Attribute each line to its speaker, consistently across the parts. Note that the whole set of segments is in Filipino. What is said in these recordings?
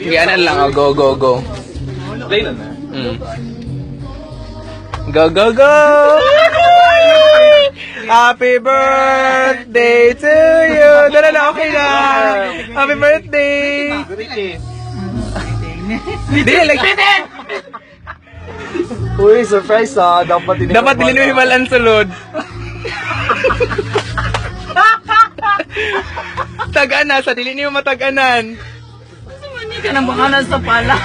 Speaker 1: Yan lang, oh, go, go, go.
Speaker 2: Play na na.
Speaker 1: Go, go, go! Happy birthday to you! Dala na, okay na! Happy birthday! Hindi, like...
Speaker 2: Uy, surprise ah. Dapat
Speaker 1: Dapat dilin mo himalan sulod. Tagana, sa dilin mo mataganan.
Speaker 3: Hindi ka nang baka nasa pala.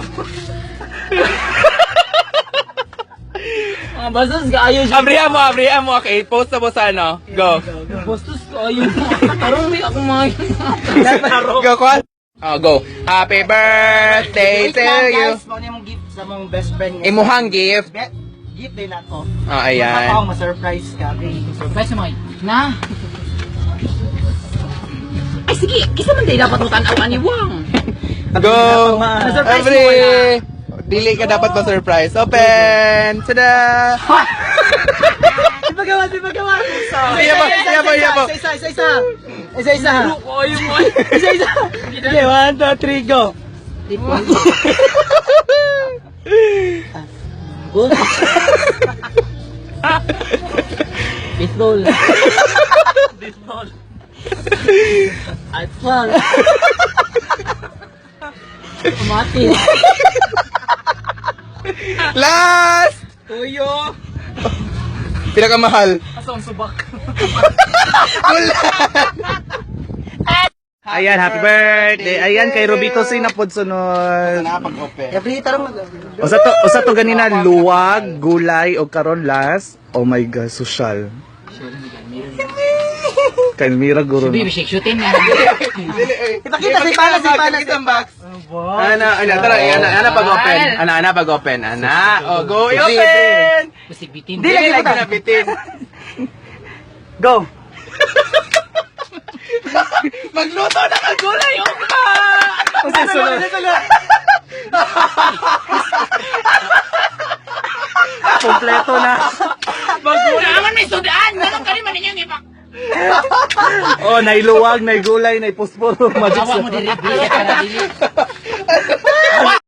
Speaker 3: Mga bastos ka ayaw siya.
Speaker 1: Abrihan mo, okay? Post na mo sa ano? Go.
Speaker 3: Bastos ka ayaw mo. Parang may ako mga
Speaker 1: Go, Kwan. Oh, go. Happy birthday to you.
Speaker 4: Guys, mo mong gift sa mong best friend.
Speaker 1: Imuhang gift.
Speaker 4: Gift din ako.
Speaker 1: Oh, ayan.
Speaker 4: Ako, ma-surprise ka. Okay.
Speaker 3: surprise mo. Na. Ay sige, kisa man tayo dapat utanawan ni Wang.
Speaker 1: Go.
Speaker 4: Ma-surprise
Speaker 1: Every...
Speaker 4: mo na.
Speaker 1: Dili ka dapat pa-surprise. Open! Tada!
Speaker 4: Di ba gawa?
Speaker 1: Iya po.
Speaker 4: Isa.
Speaker 3: Ko ayaw mo.
Speaker 4: Isa. Okay, 1, 2, 3, go.
Speaker 3: Pistol.
Speaker 4: iPhone.
Speaker 3: Mati.
Speaker 1: Last!
Speaker 3: Tuyo.
Speaker 1: Pinakamahal.
Speaker 3: Asong subak.
Speaker 2: Ayan, happy birthday. Ayan, kay Robito sinapod sunod.
Speaker 4: Every tarong
Speaker 2: Usa to ganina, luwag, gulay, o karon last. Oh my God, social. Kay Mira guro.
Speaker 3: Baby, shake-shootin na.
Speaker 4: Ipakita si Pana.
Speaker 1: box. Ana pag-open. Ana pag-open. Oh, go, i-open!
Speaker 3: Busig bitin.
Speaker 1: Dili lagi na bitin.
Speaker 4: Go.
Speaker 1: Magluto na kang gulay, ka!
Speaker 2: Kompleto na.
Speaker 3: Naman may sudaan. Ganun ka rin man ninyong ipak.
Speaker 2: Oh, nailuwag, naigulay, naipusporo.
Speaker 3: Awa mo diri. Bisa ka na dili.